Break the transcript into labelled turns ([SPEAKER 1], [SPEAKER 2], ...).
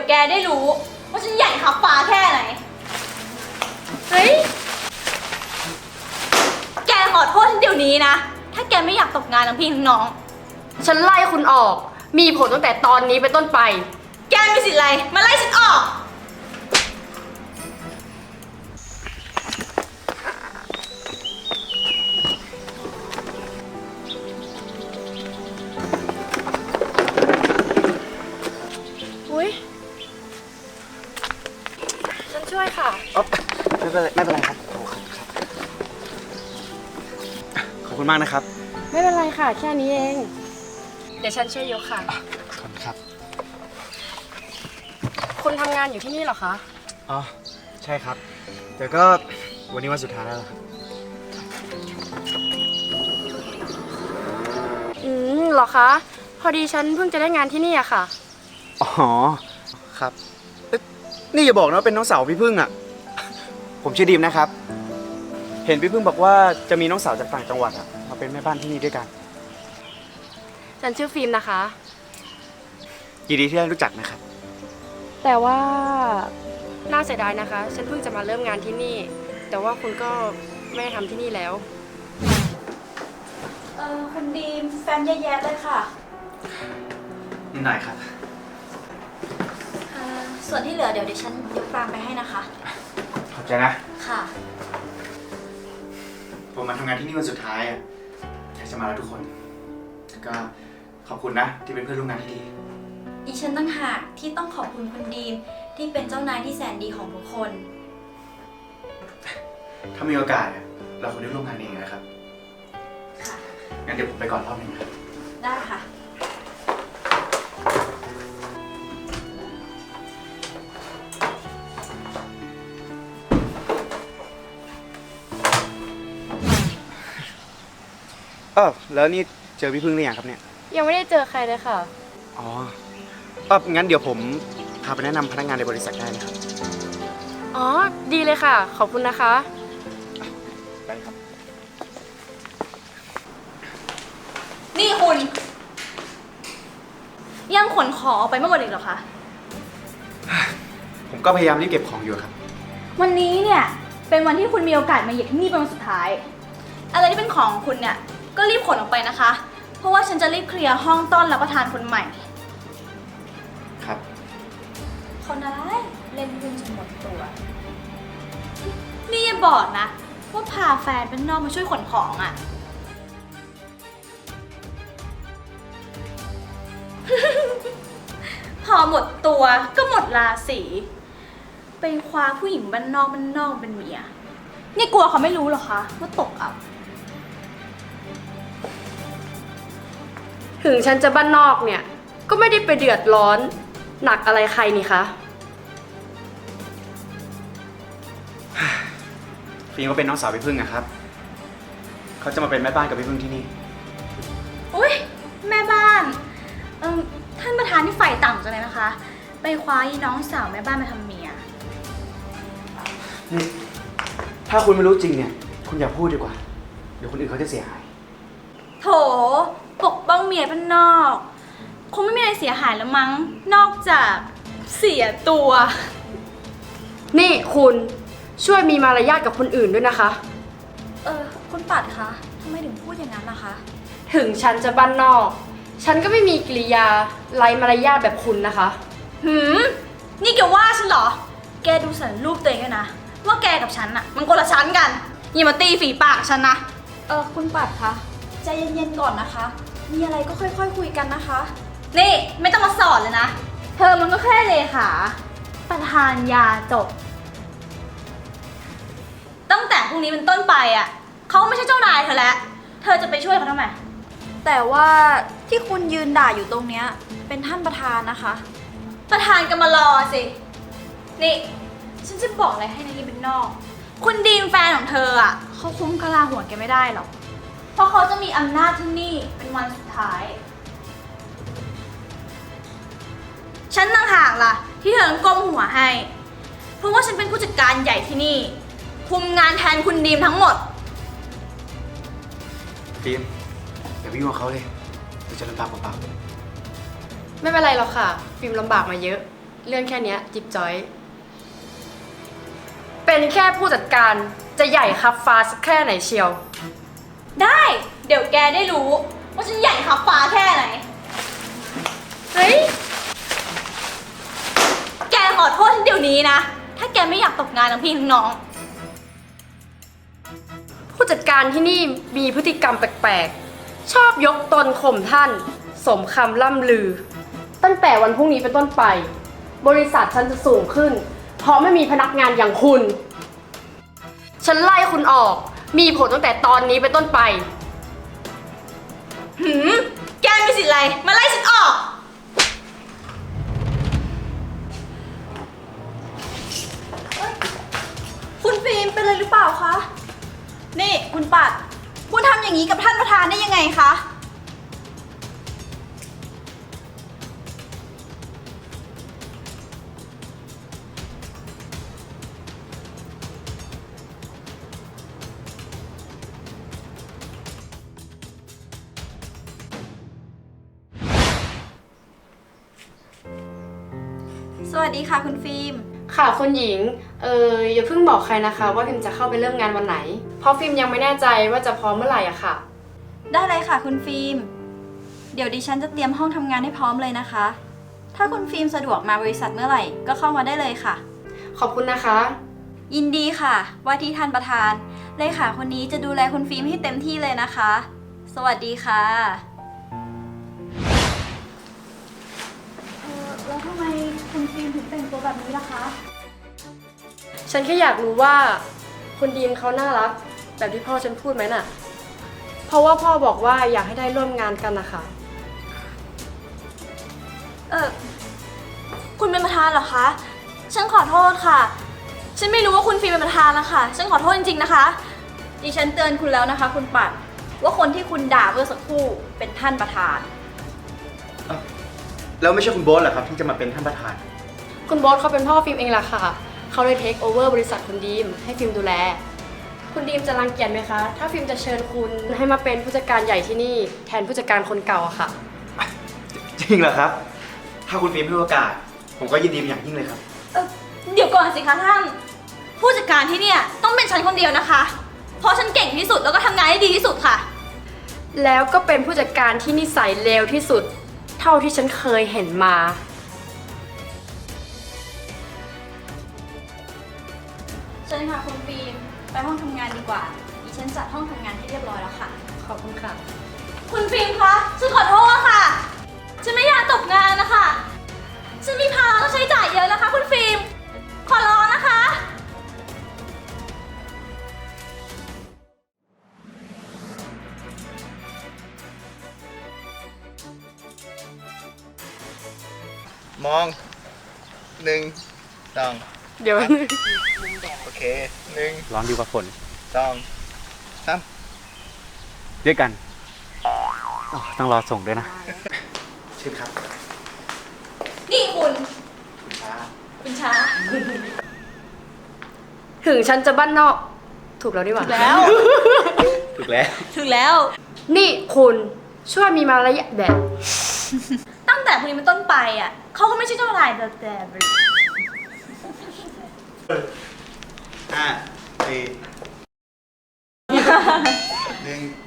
[SPEAKER 1] แกได้รู้ว่าฉันใหญ่ขับฟ้าแค่ไหน เฮ้ย แกขอโทษฉันเดี๋ยวนี้นะ ถ้าแกไม่อยากตกงานทั้งพี่ทั้งน้อง
[SPEAKER 2] ฉันไล่คุณออก มีผลตั้งแต่ตอนนี้เป็นต้นไป
[SPEAKER 1] แกมีสิทธิ์อะไรมาไล่ฉันออก
[SPEAKER 2] อุ้ยฉันช่วยค่ะ
[SPEAKER 3] ไม่เป็นไรครับโอ้ครับขอบคุณมากนะครับ
[SPEAKER 2] ไม่เป็นไรค่ะ แค่นี้เอง เดี๋ยวฉันช่วยยกค่ะ
[SPEAKER 3] ขอบคุณครับ
[SPEAKER 2] คุณทำงานอยู่ที่นี่เหรอคะ
[SPEAKER 3] อ๋อใช่ครับแต่ก็วันนี้วันสุดท้ายแล้วล่ะครับ
[SPEAKER 2] เหรอคะ พอดีฉันเพิ่งจะได้งานที่นี่อะค่ะ
[SPEAKER 3] อ๋อครับเอ๊ะนี่อย่าบอกนะว่าเป็นน้องสาวพี่พึ่งอ่ะ ผมชื่อดีมนะครับ เห็นพี่พึ่งบอกว่าจะมีน้องสาวจากต่างจังหวัดอ่ะมาเป็นแม่บ้านที่นี่ด้วยกัน
[SPEAKER 2] ฉันชื่อฟิล์มนะคะ
[SPEAKER 3] ยินดีที่ได้รู้จักนะครับ
[SPEAKER 2] แต่ว่าน่าเสียดายนะคะ ฉันเพิ่งจะมาเริ่มงานที่นี่ แต่ว่าคุณก็ไม่ได้ทำที่นี่แล้ว
[SPEAKER 1] คุณดีมแฟนแย่ๆเลยค่ะ
[SPEAKER 3] นิดหน่อยครับ
[SPEAKER 1] ส่วนที่เหลือเดี๋ยวดิฉันยกตามไปให้นะคะ
[SPEAKER 3] ขอบใจนะ
[SPEAKER 1] ค่ะ
[SPEAKER 3] ผมมาทำงานที่นี่วันสุดท้ายอ่ะอยากจะมาแล้วทุกคนแล้วก็ขอบคุณนะที่เป็นเพื่อนร่วมงานที่ดี
[SPEAKER 1] ดิฉันตั้งหากที่ต้องขอบคุณคุณดีมที่เป็นเจ้านายที่แสนดีของทุกคน
[SPEAKER 3] ถ้ามีโอกาสอะเราควรได้ร่วมงานเองนะครับ
[SPEAKER 1] ค่ะ
[SPEAKER 3] งั้นเดี๋ยวผมไปก่อนรอบหนึงนะครับ
[SPEAKER 1] ได้ค่ะ
[SPEAKER 3] แล้วนี่เจอพี่พึ่งหรือยังครับเนี่ย
[SPEAKER 2] ยังไม่ได้เจอใครเลยค่ะ
[SPEAKER 3] อ๋องั้นเดี๋ยวผมพาไปแนะนำพนักงานในบริษัทได้นะครับ
[SPEAKER 2] อ๋อ ดีเลยค่ะ ขอบคุณนะคะ
[SPEAKER 3] ได้ครับ
[SPEAKER 1] นี่คุณ ยังขนของออกไปไม่หมดอีกเหรอคะ
[SPEAKER 3] ผมก็พยายามรีบเก็บของอยู่ครับ
[SPEAKER 1] วันนี้เนี่ยเป็นวันที่คุณมีโอกาสมาเหยียบที่นี่เป็นวันสุดท้าย อะไรที่เป็นของคุณเนี่ยก็รีบขนออกไปนะคะ เพราะว่าฉันจะรีบเคลียร์ห้องต้อนรับประทานคนใหม่
[SPEAKER 3] ครับ
[SPEAKER 1] คนอะไรเล่นหุ้นจนหมดตัว นี่อย่าบอกนะว่าพาแฟนเป็นนอกมาช่วยขนของอะ่ะ พอหมดตัวก็หมดราศีไปคว้าผู้หญิงบ้านนอกเป็นเมียนี่กลัวเขาไม่รู้เหรอคะว่าตกอับ
[SPEAKER 2] ถึงฉันจะบ้านนอกเนี่ย ก็ไม่ได้ไปเดือดร้อนหนักอะไรใครนี่คะ
[SPEAKER 3] ฟิล์มก็เป็นน้องสาวพี่พึ่งนะครับ เขาจะมาเป็นแม่บ้านกับพี่พึ่งที่นี่
[SPEAKER 1] อุ้ยแม่บ้านท่านประธานที่ฝ่ายต่ำจังเลยนะคะ ไปคว้าอีน้องสาวแม่บ้านมาทำเมีย
[SPEAKER 3] นี่ ถ้าคุณไม่รู้จริงเนี่ย คุณอย่าพูดดีกว่า เดี๋ยวคนอื่นเขาจะเสียหาย
[SPEAKER 1] โถปกป้องเมียเป็นนอก คงไม่มีอะไรเสียหายแล้วมั้ง นอกจากเสียตัว
[SPEAKER 2] นี่คุณช่วยมีมารยาทกับคนอื่นด้วยนะคะ
[SPEAKER 1] คุณปัดคะทำไมถึงพูดอย่างนั้นนะคะ
[SPEAKER 2] ถึงฉันจะบ้านนอก ฉันก็ไม่มีกิริยาไร้มารยาทแบบคุณนะคะ
[SPEAKER 1] นี่แกว่าฉันเหรอ แกดูสันรูปตัวเองด้วยนะ ว่าแกกับฉันอะมันคนละชั้นกัน อย่ามาตีฝีปากฉันนะ คุณปัดคะใจเย็นๆก่อนนะคะ มีอะไรก็ค่อยๆคุยกันนะคะ นี่ไม่ต้องมาสอนเลยนะ เธอมันก็แค่เลขาประธานยาจบ ตั้งแต่พรุ่งนี้เป็นต้นไปอะเขาไม่ใช่เจ้านายเธอแล้ว เธอจะไปช่วยเขาทำไม
[SPEAKER 4] แต่ว่าที่คุณยืนด่าอยู่ตรงเนี้ยเป็นท่านประธานนะคะ
[SPEAKER 1] ประธานก็มารอสิ นี่ ฉันจะบอกอะไรให้นะยี่เป็นนอก คุณดีมแฟนของเธออ่ะเขาคุ้มกะลาหัวแกไม่ได้หรอก เพราะเขาจะมีอำนาจที่นี่เป็นวันสุดท้าย ฉันต่างหากล่ะ ที่เธอต้องก้มหัวให้ เพราะว่าฉันเป็นผู้จัดการใหญ่ที่นี่ คุมงานแทนคุณดีมทั้งหมด
[SPEAKER 3] ฟิล์มอย่าไปยุ่งกับเขาเลยเดี๋ยวจะลำบากเปล่า
[SPEAKER 2] ไม่เป็นไรหรอกค่ะ ฟิล์มลำบากมาเยอะ
[SPEAKER 3] ๆ
[SPEAKER 2] เรื่องแค่เนี้ยจิ๊บจ้อย เป็นแค่ผู้จัดการจะใหญ่ครับฟ้าสักแค่ไหนเชียว
[SPEAKER 1] ได้ เดี๋ยวแกได้รู้ว่าฉันใหญ่ขับฟ้าแค่ไหน
[SPEAKER 2] เฮ้ย
[SPEAKER 1] แกขอโทษฉันเดี๋ยวนี้นะ ถ้าแกไม่อยากตกงานทั้งพี่ทั้งน้อง
[SPEAKER 2] ผู้จัดการที่นี่มีพฤติกรรมแปลกๆ ชอบยกตนข่มท่าน สมคำล่ำลือ ตั้งแต่วันพรุ่งนี้เป็นต้นไป บริษัทฉันจะสูงขึ้น เพราะไม่มีพนักงานอย่างคุณ ฉันไล่คุณออก มีผลตั้งแต่ตอนนี้เป็นต้นไป
[SPEAKER 1] หืม แกมีสิทธิ์อะไร มาไล่ฉันออก คุณฟิล์มเป็นอะไรหรือเปล่าคะ นี่คุณปัด คุณทำอย่างนี้กับท่านประธานได้ยังไงคะ สวัสดีค่ะคุณฟิล์ม
[SPEAKER 2] ค่ะคุณหญิง อย่าเพิ่งบอกใครนะคะ ว่าพิมจะเข้าไปเริ่มงานวันไหน เพราะฟิล์มยังไม่แน่ใจว่าจะพร้อมเมื่อไหร่อะค่ะ
[SPEAKER 4] ได้เลยค่ะคุณฟิล์ม เดี๋ยวดิฉันจะเตรียมห้องทำงานให้พร้อมเลยนะคะ ถ้าคุณฟิล์มสะดวกมาบริษัทเมื่อไหร่ก็เข้ามาได้เลยค่ะ
[SPEAKER 2] ขอบคุณนะคะ
[SPEAKER 4] ยินดีค่ะ ว่าที่ท่านประธานเลขาคนนี้จะดูแลคุณฟิล์มให้เต็มที่เลยนะคะ สวัสดีค่ะแล้วทำไมคุณฟิล์มถึงแต่งตัวแบบนี้ล่ะคะ
[SPEAKER 2] ฉันแค่อยากรู้ว่าคุณดีมเขาน่ารักแบบที่พ่อฉันพูดไหมน่ะ เพราะว่าพ่อบอกว่าอยากให้ได้ร่วมงานกันนะคะ
[SPEAKER 1] คุณเป็นประธานเหรอคะ ฉันขอโทษค่ะ ฉันไม่รู้ว่าคุณฟิล์มเป็นประธานนะคะ ฉันขอโทษจริงๆนะคะ
[SPEAKER 4] ดิฉันเตือนคุณแล้วนะคะ คุณปัดว่าคนที่คุณด่าเมื่อสักครู่เป็นท่านประธาน
[SPEAKER 3] แล้วไม่ใช่คุณโบ๊ทเหรอครับที่จะมาเป็นท่านประธาน
[SPEAKER 2] คุณบอสเขาเป็นพ่อฟิล์มเองล่ะค่ะ เขาเลยเทคโอเวอร์บริษัทคุณดีมให้ฟิล์มดูแล คุณดีมจะรังเกียจไหมคะ ถ้าฟิล์มจะเชิญคุณให้มาเป็นผู้จัดการใหญ่ที่นี่แทนผู้จัดการคนเก่าอะค่ะ
[SPEAKER 3] จริงเหรอครับ ถ้าคุณฟิล์มให้โอกาส ผมก็ยินดีเป็นอย่างยิ่งเลยครับ
[SPEAKER 1] เดี๋ยวก่อนสิคะท่าน ผู้จัดการที่เนี่ยต้องเป็นฉันคนเดียวนะคะ เพราะฉันเก่งที่สุดแล้วก็ทำงานได้ดีที่สุดค่ะ
[SPEAKER 2] แล้วก็เป็นผู้จัดการที่นิสัยเลวที่สุด เท่าที่ฉันเคยเห็นมา
[SPEAKER 4] เชิญค่ะคุณฟิล์มไปห้องทำงานดีกว่า ดิฉันจัดห้องทำงานให้เรียบร้อยแล้วค่ะ
[SPEAKER 2] ขอบคุณค่ะ
[SPEAKER 1] คุณฟิล์มคะ ฉันขอโทษค่ะ ฉันไม่อยากตกงานนะคะ ฉันมีภาระต้องใช้จ่ายเยอะนะคะ คุณฟิล์ม ขอร้องนะคะ
[SPEAKER 5] มองหนึ่งสอง
[SPEAKER 2] เดี๋ยว
[SPEAKER 5] โอเคหนึ่ง
[SPEAKER 3] ร้อนดีกว่าฝน
[SPEAKER 5] สองสาม
[SPEAKER 3] ด้วยกันอ๋อต้องรอส่งด้วยนะ เชิญครับ
[SPEAKER 1] นี่คุณ
[SPEAKER 5] ช้า
[SPEAKER 1] คุณช้า
[SPEAKER 2] ถึงฉันจะบ้านนอก ถูกแล้วดีกว่า
[SPEAKER 1] แล้ว
[SPEAKER 3] ถูกแล้ว
[SPEAKER 1] ถึงแล้ว
[SPEAKER 2] นี่คุณช่วยมีมารยาทแบบ
[SPEAKER 1] ตั้งแต่พรุ่งนี้เป็นต้นไปอ่ะเขาก็ไม่ใช่เจ้านายแต่
[SPEAKER 5] ห้าสี่หนึ่ง